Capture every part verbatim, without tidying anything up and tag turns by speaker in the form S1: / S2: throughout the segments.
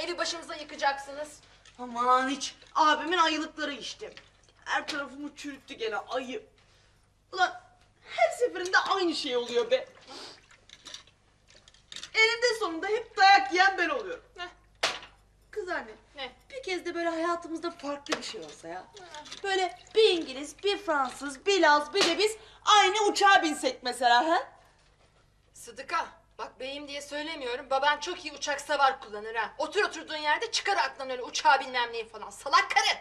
S1: evi başımıza yıkacaksınız?
S2: Aman hiç. Abimin ayılıkları işte. Her tarafımı çürüttü gene ayı. Ulan her seferinde aynı şey oluyor be. Eninde sonunda hep dayak yiyen ben oluyorum.
S1: Ne?
S2: Kız anne.
S1: Ne?
S2: Bir kez de böyle hayatımızda farklı bir şey olsa ya. Böyle bir İngiliz, bir Fransız, bir Laz, bir de biz aynı uçağa binsek mesela ha?
S1: Sıdıka, bak beyim diye söylemiyorum. Baban çok iyi uçak savar kullanır ha. Otur oturduğun yerde çıkar aklından öyle uçağı bilmem neyi falan. Salak karı.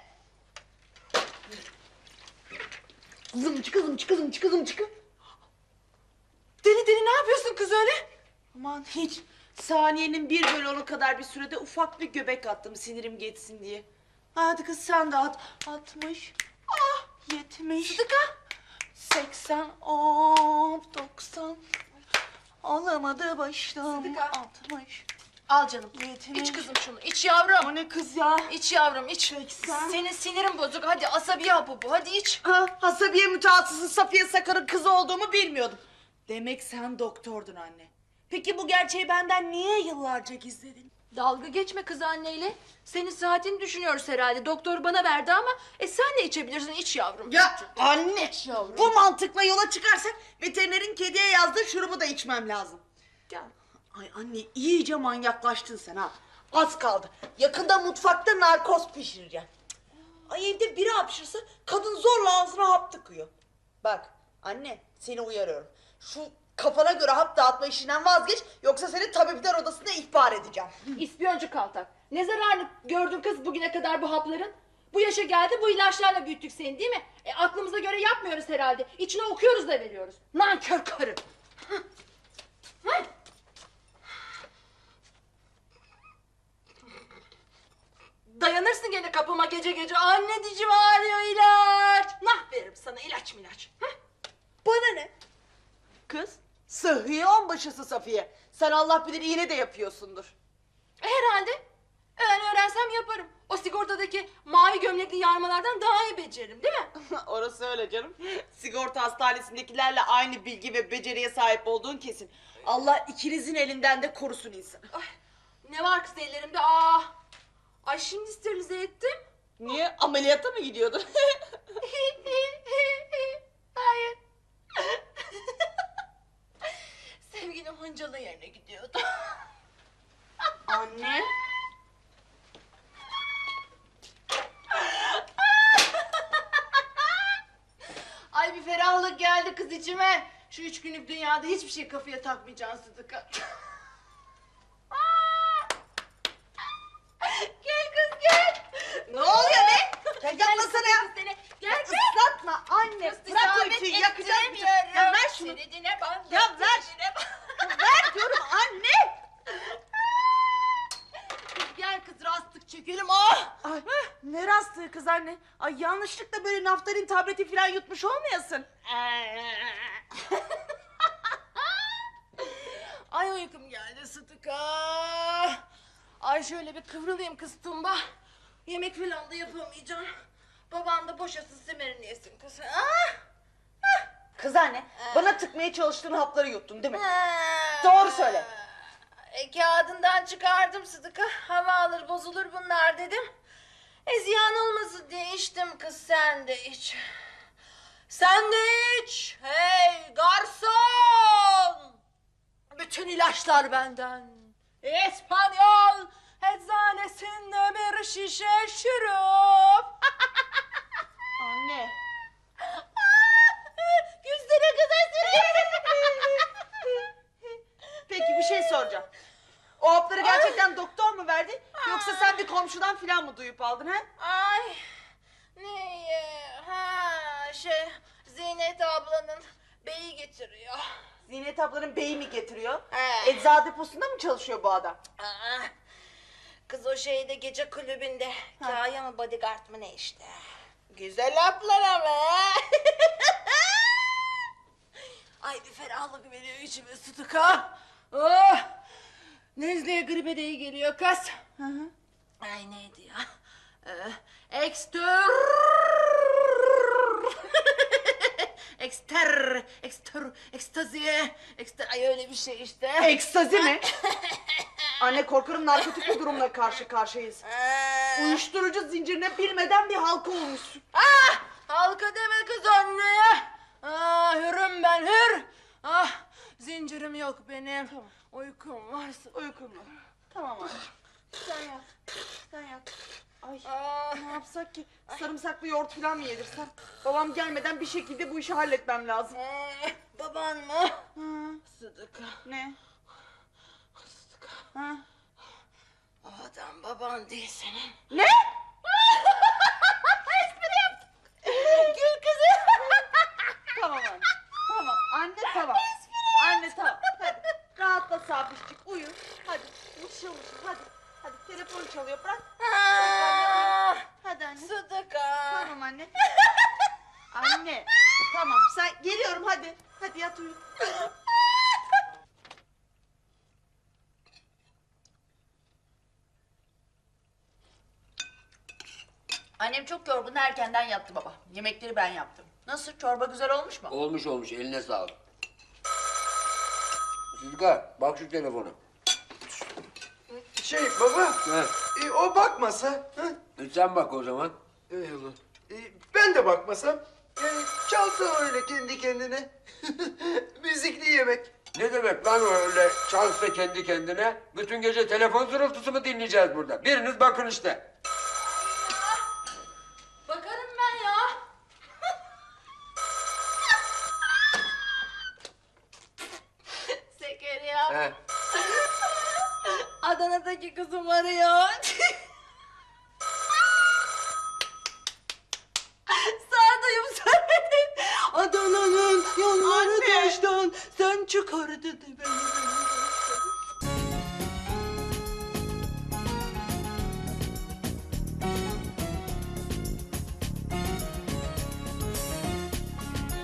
S2: Kızım çık kızım çık kızım çık kızım çık.
S1: Deli deli ne yapıyorsun kız öyle?
S2: Aman hiç. Saniyenin bir bölü onu kadar bir sürede ufak bir göbek attım sinirim geçsin diye. Hadi kız sen de at. Altmış. Ah yetmiş.
S1: Sıdıka.
S2: Seksen. Hop doksan. Alamadı başım.
S1: Sıdıka.
S2: Altmış.
S1: Al canım.
S2: Yetmiş.
S1: İç kızım şunu. İç yavrum.
S2: O ne kız ya?
S1: İç yavrum iç.
S2: Seksen.
S1: Senin sinirin bozuk. Hadi asabi hapı bu. Hadi iç.
S2: Ha, Hasabiye mütehassısı Safiye Sakar'ın kızı olduğumu bilmiyordum. Demek sen doktordun anne. Peki bu gerçeği benden niye yıllarca gizledin?
S1: Dalga geçme kız anneyle. Senin saatini düşünüyoruz herhalde. Doktor bana verdi ama e sen de içebilirsin. İç yavrum.
S2: Ya anne,
S1: yavrum.
S2: bu mantıkla yola çıkarsak veterinerin kediye yazdığı şurubu da içmem lazım.
S1: Gel.
S2: Ay anne iyice manyaklaştın sen ha. Az kaldı. Yakında mutfakta narkoz pişireceğim. Ay evde biri hapşırsa kadın zorla ağzına hap tıkıyor. Bak anne seni uyarıyorum. Şu kafana göre hap dağıtma işinden vazgeç yoksa seni tabipler odasına ihbar edeceğim.
S1: İspiyoncu kaltak. Ne zararını gördün kız bugüne kadar bu hapların? Bu yaşa geldi bu ilaçlarla büyüttük seni değil mi? E, aklımıza göre yapmıyoruz herhalde. İçine okuyoruz da veriyoruz. Nankör karı. Hah. Dayanırsın gene kapıma gece gece. Anne dicim ağrıyor ilaç. Nah veririm sana ilaç milaç. Hah.
S2: Bana ne? Kız sıhhiye onbaşısı Safiye. Sen Allah bilir iğne de yapıyorsundur.
S1: E, herhalde. Ben öğrensem yaparım. O sigortadaki mavi gömlekli yarmalardan daha iyi beceririm değil mi?
S2: Orası öyle canım. Sigorta hastanesindekilerle aynı bilgi ve beceriye sahip olduğun kesin. Allah ikinizin elinden de korusun insan.
S1: Ay, ne var kız ellerimde? Aa. Ay şimdi sterilize ettim.
S2: Niye? Ameliyata mı gidiyordun?
S1: Hayır. Sevgilim Hıncalı yerine gidiyordu.
S2: Anne.
S1: Ay bir ferahlık geldi kız içime. Şu üç günlük dünyada hiçbir şey kafaya takmayacaksın Sıdıka. Gel kız gel.
S2: Ne oluyor be? Ya yapmasana ya.
S1: Seni. Gel gel.
S2: Islatma anne.
S1: Kız
S2: Bırak o
S1: isamet
S2: ütüyü yakacağım.
S1: ettiremiyorum.
S2: Ya ver şunu.
S1: Senedine bak.
S2: Ya ver.
S1: senedine bak.
S2: Ver diyorum anne.
S1: Gel kız rastlık çekelim. Ah.
S2: Ay, ne rastlığı kız anne? Ay yanlışlıkla böyle naftalin tableti falan yutmuş olmayasın.
S1: Ay uykum geldi Sıtıka. Ay şöyle bir kıvrılayım kız Tumba. Yemek falan da yapamayacağım. Baban da boşasın semerini yesin kız. Ah!
S2: Kız anne, bana tıkmaya çalıştığın hapları yuttun değil mi? Doğru söyle.
S1: E, kağıdından çıkardım Sıdıka. Hava alır bozulur bunlar dedim. E ziyan olmasın diye içtim kız sen de iç. Sen de iç. Hey garson. Bütün ilaçlar benden. İspanyol eczanesinde bir şişe şurup.
S2: Anne.
S1: Yüzüne kızar
S2: Peki bir şey soracağım. O hapları gerçekten doktor mu verdi? Yoksa sen bir komşudan falan mı duyup aldın ha?
S1: Ay ne ha şey Zinet ablanın beyi getiriyor.
S2: Zinet ablanın beyi mi getiriyor?
S1: He.
S2: Eczacı deposunda mı çalışıyor bu adam?
S1: Aa, kız o şeyde gece kulübünde kaya mı bodyguard mı ne işte. Güzel laflar ama. Ay bir ferahlık veriyor içime Sıtıka. Oh, nezleye gribe de iyi geliyor kız.
S2: Hı hı.
S1: Ay neydi ya? Ee, ekstör... ekster... Ekster... Ekstazi... Ekster... Ay öyle bir şey işte.
S2: Ekstazi mi? Anne korkarım narkotik bir durumla karşı karşıyayız. Uyuşturucu zincirine bilmeden bir halka olmuşsun.
S1: Ah! Halka deme kız anneye. Ah, hürüm ben hür. Ah, zincirim yok benim.
S2: Tamam.
S1: Uykum varsa.
S2: Uykun var. Tamam anne. Sen yat. Sen yat. Ay
S1: Ah.
S2: ne yapsak ki? Sarımsaklı yoğurt falan mı yedirsem? Babam gelmeden bir şekilde bu işi halletmem lazım.
S1: Ah, baban mı?
S2: Hı.
S1: Sıdıka.
S2: Ne?
S1: Sıdıka.
S2: Ha?
S1: O adam baban değil senin.
S2: Ne?
S1: Espri yaptım. Gül kızım.
S2: Tamam anne. Tamam anne tamam. Anne tamam. Hadi rahatla Sabişcik uyu. Hadi mışıl mışıl hadi. Hadi telefon çalıyor bırak.
S1: Ah,
S2: Hadi anne.
S1: Sıdıka.
S2: Tamam anne. Anne. Tamam sen geliyorum hadi. Hadi yat uyu. Annem çok yorgun erkenden yattı baba. Yemekleri ben yaptım. Nasıl çorba güzel olmuş mu?
S3: Olmuş olmuş, eline sağlık. Sıdıka, bak şu telefona.
S4: Şey baba,
S3: He.
S4: e, o bakmasa, hı?
S3: E sen bak o zaman.
S4: Eyvallah. E, ben de bakmasam, yani çalsa öyle kendi kendine. Müzikli yemek.
S3: Ne demek lan o öyle çalsa kendi kendine? Bütün gece telefon zırıltısı mı dinleyeceğiz burada? Biriniz bakın işte.
S1: Bakarım ben ya. Zekeriya.
S3: He.
S1: Adana'daki kızım arıyor. Sağdayım söyledim. Adana'nın yolları
S2: Anne.
S1: taştan sen çıkar dedi beni.